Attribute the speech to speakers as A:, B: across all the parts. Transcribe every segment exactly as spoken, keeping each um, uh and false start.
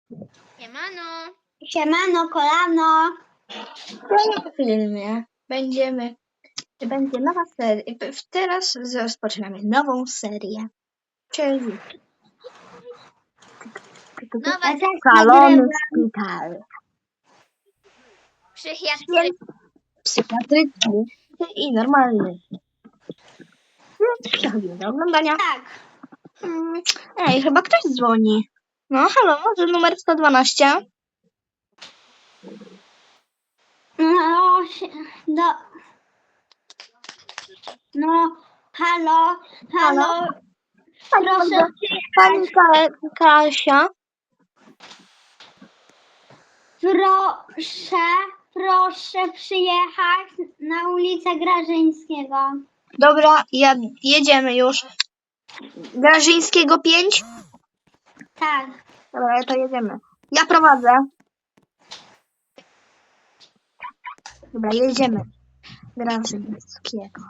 A: Siemano.
B: Siemano, kolano.
C: W filmie będziemy, będzie nowa seria. Teraz rozpoczynamy nową serię. Czyli
A: Nowa
B: Ja też
C: szalony
B: nagrywam.
C: szpital.
A: psychiatry.
C: Psychiatryczny i normalny. Przechodzimy do oglądania.
B: Tak.
C: Mm, Ej, chyba ktoś dzwoni. No, halo, może numer sto dwanaście?
B: No, się- do... No, halo, halo. Proszę
C: Pani Ka- Kasia.
B: Proszę, proszę przyjechać na ulicę Grażyńskiego.
C: Dobra, ja, jedziemy już. Grażyńskiego pięć?
B: Tak.
C: Dobra, to jedziemy. Ja prowadzę. Dobra, jedziemy. Grażyńskiego.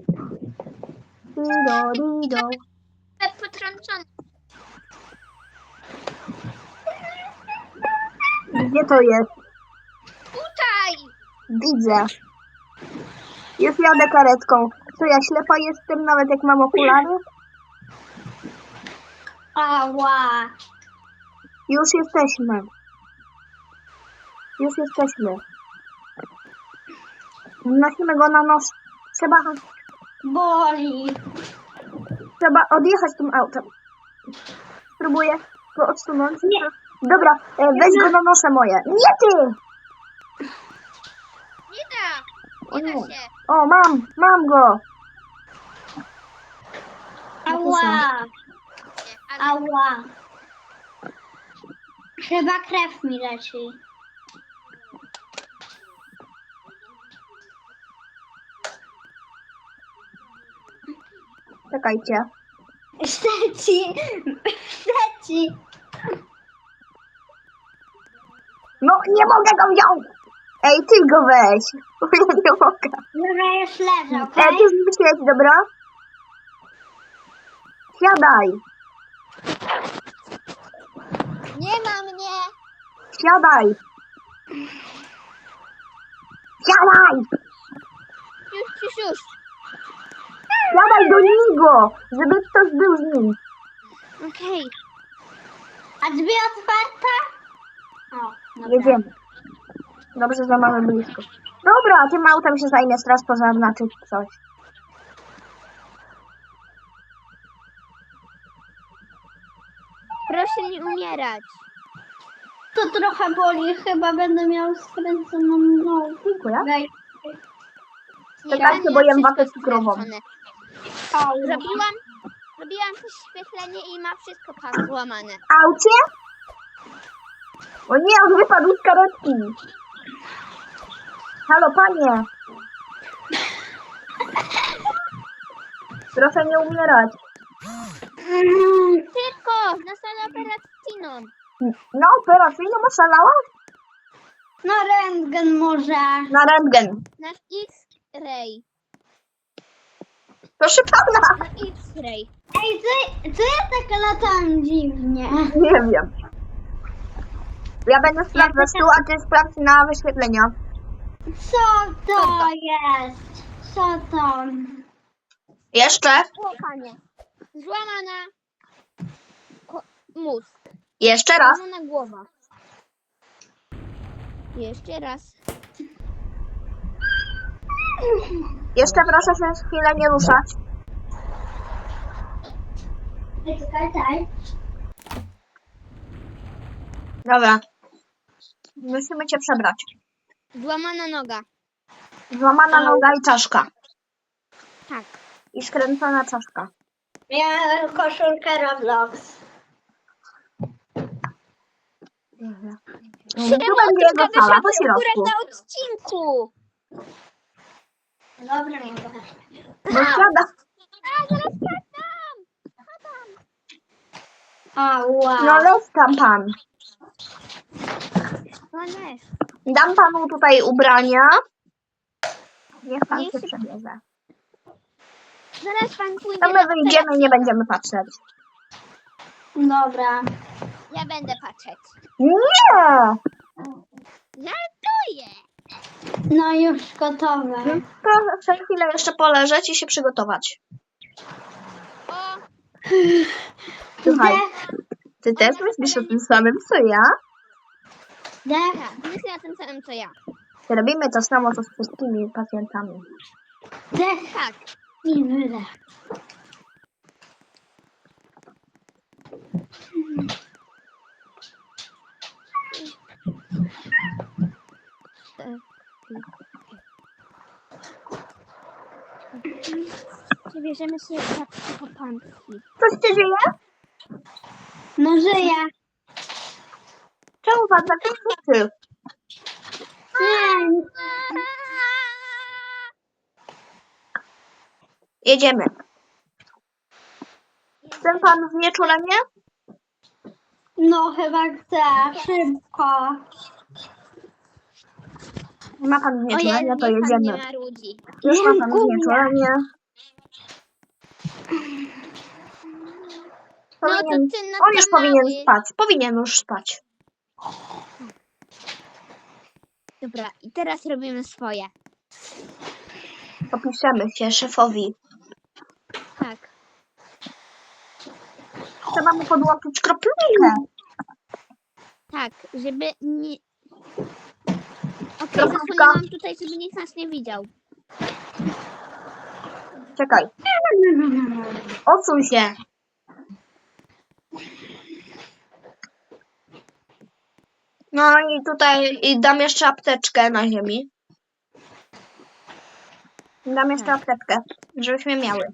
C: Dido, dido.
A: Potrącony.
C: Gdzie to jest?
A: Tutaj.
C: Widzę. Już jadę karetką. Co, ja ślepa jestem nawet jak mam okulary?
B: Ała.
C: Już jesteśmy. Już jesteśmy. Nosimy go na nos. Trzeba,
B: Boli.
C: trzeba odjechać tym autem. Spróbuję go odsunąć.
B: Nie.
C: Dobra, e, weź go na nosze moje. Nie ty!
A: Nie da.
C: O
A: Nie da
C: nie.
A: się.
C: O, mam, mam go.
B: Ała.
A: Nie, ale
B: Ała. Chyba krew mi leci.
C: Czekajcie.
B: Leci. Leci.
C: No, nie mogę go wziąć. Ej, ty go weź. Bo ja nie mogę.
B: Dobra, już leżę,
C: E,
B: okej?
C: ty zmyśleć, dobra? Siadaj.
A: nie ma mnie.
C: Siadaj. Siadaj.
A: Już, już, już.
C: Siadaj do niego, żeby ktoś był z nim.
A: Okej.
B: A drzwi otwarte? O, dobra.
C: Jedziemy. Dobrze, że mamy blisko. Dobra, tym autem się zajmie straż pożarna czy coś.
A: Proszę nie umierać.
B: To trochę boli, chyba będę miał skręconą nogę.
C: Dziękuję.
B: Wej-
C: Czekajcie,
A: ja
C: bo jem
A: wszystko
C: watę cukrową.
A: skręcone.
B: Au.
A: Robiłam, robiłam wyświetlenie i ma wszystko pan złamane.
C: Aucie? O nie, on wypadł z karetki. Halo, panie. Proszę nie umierać.
A: Tylko na salę operacyjną.
C: Na operacyjną oszalałaś?
B: No rentgen może.
C: Na rentgen.
A: Na X-ray.
C: Proszę pana.
A: Na X-ray.
B: Ej, co, co ja tak latam dziwnie?
C: Nie wiem. Ja będę sprawdzać tu, a ty sprawdź na wyświetlenia.
B: Co to jest? Co to?
C: Jeszcze?
A: Łapanie. Złamana ko- mózg.
C: Jeszcze raz.
A: Złamana głowa. Jeszcze raz.
C: Jeszcze proszę się chwilę nie ruszać.
B: Ej, czekaj, czekaj.
C: Dobra. Musimy cię przebrać.
A: Złamana noga.
C: Złamana noga i czaszka.
A: Tak.
C: I skręcona czaszka.
B: Ja koszulkę Roblox.
C: Mhm.
A: Czemu
C: Tu będzie jego
A: ty
C: sala po
A: wyszedłeś akurat
C: środku.
A: na odcinku?
B: Dobra, nie mogę.
C: No siada.
A: A, zaraz padam!
B: Ała.
C: No leć tam pan.
A: No nie.
C: Dam panu tutaj ubrania. Niech pan
A: Niech
C: się
A: się-
C: przebierze.
A: Zaraz pan pójdzie
C: To my
A: na
C: wyjdziemy i nie będziemy patrzeć.
B: Dobra.
A: Ja będę patrzeć.
C: Nie!
A: Żartuję.
B: No już gotowe.
C: To chcę chwilę jeszcze poleżeć i się przygotować.
A: O,
C: Słuchaj,
B: Dech,
C: ty też myślisz o tym samym, co ja?
B: dech,
A: tak, myślę o tym samym, co ja.
C: Robimy to samo, co z wszystkimi pacjentami.
B: dech
A: Tak.
B: i wydech.
A: Przebierzemy się za psychopanki.
C: Co się dzieje?
B: No żyję.
C: Czemu pan tak krzyczy?
B: Nie,
C: Jedziemy. Chce pan znieczulenie?
B: no chyba chcę. Szybko.
C: Ma pan
A: O
C: znieczulenie,
A: Jezu,
C: to
A: niech pan nie
C: jedziemy.
A: marudzi.
C: Już ma pan
B: Dziękuję.
C: znieczulenie.
A: No to
C: Powinien,
A: ty na
C: on już powinien spać. Powinien już spać.
A: Dobra, i teraz robimy swoje.
C: Popiszemy się szefowi.
A: Tak.
C: Trzeba mu podłączyć kroplówkę.
A: Tak, żeby nie... Okej,
C: Kropka.
A: zasłoniłam tutaj, żeby nikt nas nie widział.
C: Czekaj. Odsuń się. No i tutaj i dam jeszcze apteczkę na ziemi. Dam jeszcze
A: Tak.
C: apteczkę, żebyśmy miały.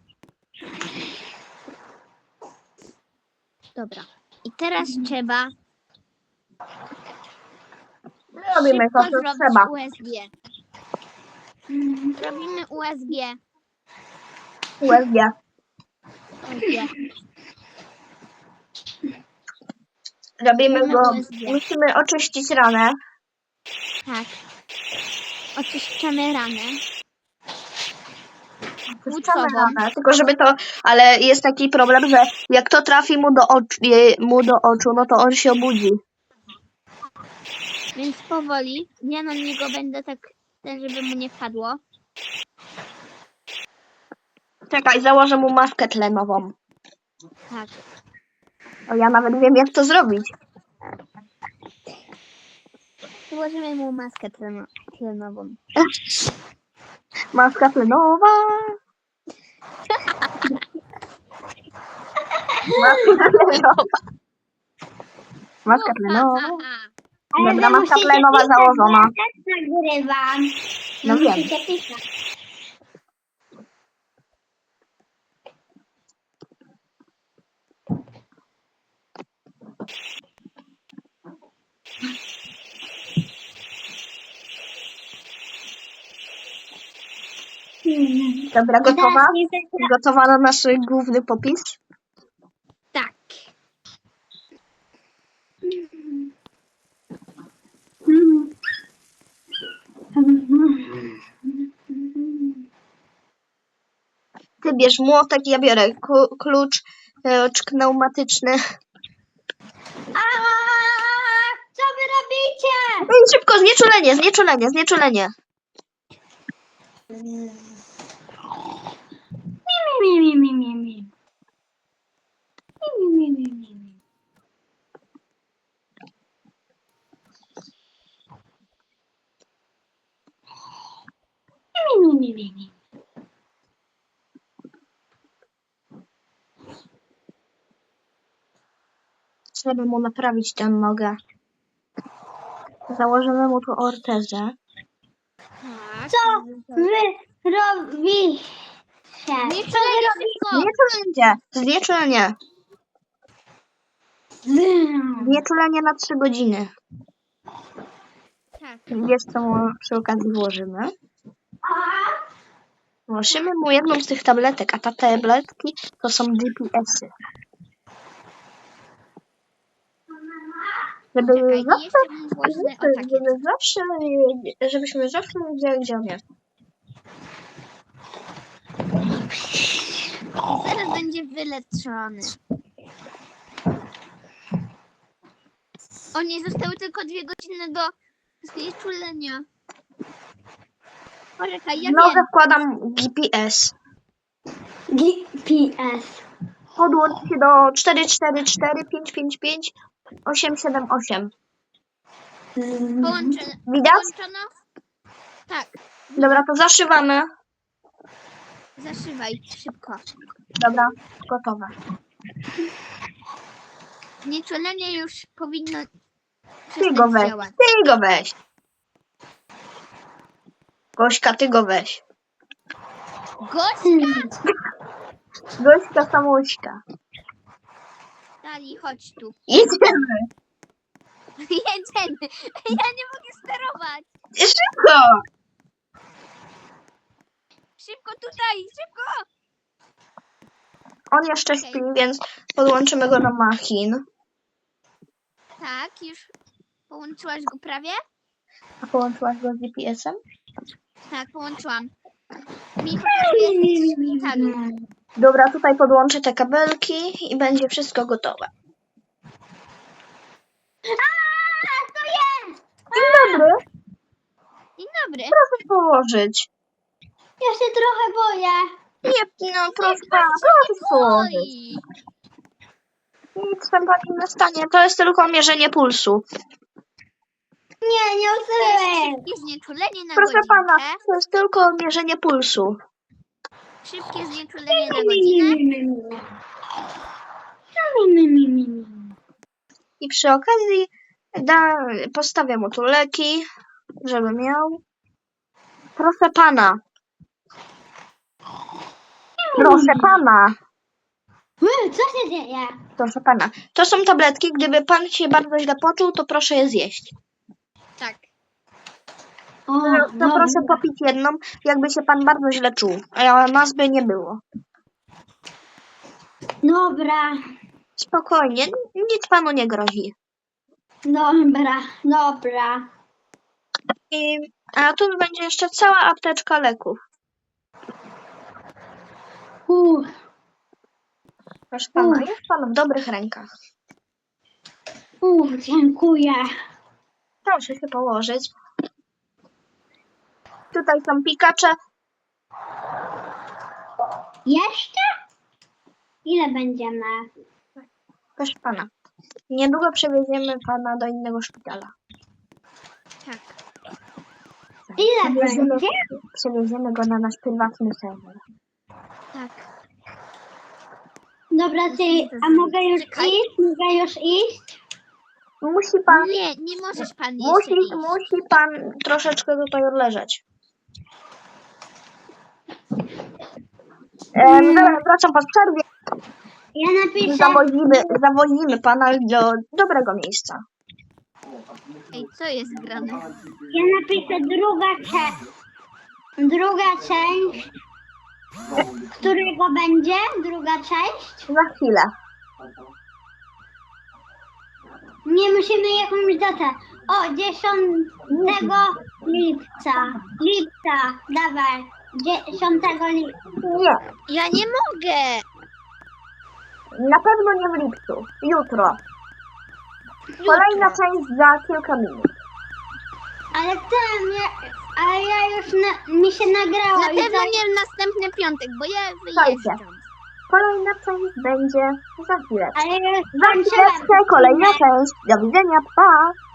A: Dobra. I teraz trzeba
C: Robimy to,
A: szybko
C: co
A: zrobić
C: trzeba.
A: U S G. Robimy U S G.
C: U S G.
A: U S G.
C: Robimy
A: Robimy
C: go.
A: U S G.
C: Musimy oczyścić ranę.
A: Tak. Oczyszczamy ranę.
C: Oczyszczamy
A: Płucową.
C: ranę. Tylko żeby to. Ale jest taki problem, że jak to trafi mu do oczu, je- mu do oczu, no to on się obudzi.
A: Więc powoli. Ja na niego będę tak, ten, żeby mu nie wpadło.
C: Czekaj, założę mu maskę tlenową.
A: Tak.
C: O, ja nawet wiem, jak to zrobić.
A: Założymy mu maskę tleno- tlenową.
C: Maska tlenowa. Maska tlenowa. Maska tlenowa.
B: Ale
C: Dobra,
B: wy
C: maska
B: musicie
C: tlenowa
B: pisać,
C: założona.
B: bo ja też nagrywam.
C: No
B: Wy
C: wiem.
B: musicie pisać. Hmm.
C: Dobra, gotowa?
B: Teraz nie zagra-
C: Gotowa na nasz główny popis?
A: Tak.
B: Hmm.
C: Ty bierz młotek, ja biorę ku- klucz e, pneumatyczny.
B: A, co wy robicie?
C: No i szybko, znieczulenie, znieczulenie, znieczulenie.
B: Mi, mi, mi, mi, mi. Mi, mi, mi, mi, mi, mi. Mi, mi, mi, mi, mi.
C: Trzeba mu naprawić tę nogę. Założymy mu tu ortezę.
A: Tak.
B: Co wy robicie?
A: Nie
B: Co wy
A: szybko.
C: Znieczulenie, znieczulenie.
B: robicie?
C: Znieczulenie na trzy godziny.
A: Tak.
C: Wiesz, co mu przy okazji włożymy? Włożymy mu jedną z tych tabletek, a te tabletki to są G P S-y. Żeby
A: Czekaj, i
C: zawsze,
A: jeszcze mu włożymy o takie.
C: żeby zawsze, żebyśmy zawsze wiedzieli, gdzie on jest.
A: Zaraz będzie wyleczony. O nie, zostały tylko dwie godziny do znieczulenia. Poczekaj, ja
C: Nowe
A: wiem.
C: wkładam G P S.
B: G P S.
C: Podłącz się do cztery cztery cztery pięć pięć pięć osiem siedem osiem.
A: Połączone.
C: Widać?
A: Połączono? Tak,
C: Dobra, to zaszywamy.
A: zaszywaj szybko.
C: Dobra, gotowe.
A: Znieczulenie już powinno
C: Ty go
A: przestać
C: weź,
A: działać.
C: ty go weź. Gośka, ty go weź.
A: Gośka!
C: Gośka, samośka.
A: Dali, chodź tu.
C: Jedziemy.
A: Jedziemy. Ja nie mogę sterować.
C: Szybko.
A: Szybko tutaj, szybko!
C: On jeszcze
A: Okej.
C: śpi, więc podłączymy go do machin.
A: Tak, już połączyłaś go prawie?
C: A połączyłaś go z G P S-em?
A: Tak, połączyłam. Mi pokazuje w szpitalu.
C: Dobra, tutaj podłączę te kabelki i będzie wszystko gotowe.
B: A, to jest!
C: Dzień dobry.
A: Dzień dobry.
C: Proszę położyć.
B: Ja się trochę boję.
C: Nie, no proszę pana, proszę położyć.
A: Oj,
C: Nic tam pani nie stanie, to jest tylko mierzenie pulsu.
B: Nie, nie
A: to
B: usyłem.
A: jest szybkie znieczulenie na
C: Proszę
A: godzinkę.
C: pana, to jest tylko mierzenie pulsu.
A: Szybkie znieczulenie na godzinę.
C: I przy okazji da, postawię mu tu leki, żeby miał. Proszę pana. Proszę pana.
B: Mm, co się dzieje?
C: Proszę pana. To są tabletki. Gdyby pan się bardzo źle poczuł, to proszę je zjeść.
A: Tak.
B: O,
C: To
B: dobra.
C: proszę popić jedną, jakby się pan bardzo źle czuł. A nas by nie było.
B: Dobra,
C: Spokojnie, nic panu nie grozi.
B: dobra, dobra.
C: I, a tu będzie jeszcze cała apteczka leków.
B: Uff,
C: Proszę pana,
B: Uff.
C: jest pan w dobrych rękach.
B: uff, dziękuję.
C: Proszę się położyć. Tutaj są pikacze.
B: Jeszcze? Ile będziemy?
C: Proszę pana, niedługo przewieziemy pana do innego szpitala.
A: Tak.
B: Ile
C: Przewieziemy,
B: będzie?
C: przewieziemy go na nasz prywatny serwer.
A: Tak.
B: Dobra, ty, a mogę już
A: Czekaj.
B: iść? Mogę już iść?
C: Musi pan,
A: Nie, nie możesz pan
C: musi,
A: jeszcze iść.
C: musi pan troszeczkę tutaj odleżeć. E, wracam po przerwie.
B: Ja napiszę,
C: Zawozimy, zawozimy pana do dobrego miejsca.
A: Ej, co jest grane?
B: ja napiszę druga część. Druga część. Którego będzie? Druga część?
C: Za chwilę.
B: Nie musimy jakąś datę. O, dziesiątego lipca. Lipca, dawaj. dziesiątego lipca.
C: Nie,
A: Ja nie mogę!
C: na pewno nie w lipcu. Jutro. Kolejna część za kilka minut.
B: Ale ten, ja, ale ja już, na, mi się nagrało.
A: Na
B: i
A: pewno
B: to-
A: nie w następny piątek, bo ja
C: Słuchajcie.
A: wyjeżdżam.
C: Kolejna część będzie za chwilę.
B: Ale ja już
C: Za
B: skończyłem.
C: chwileczkę kolejna część. Do widzenia, pa!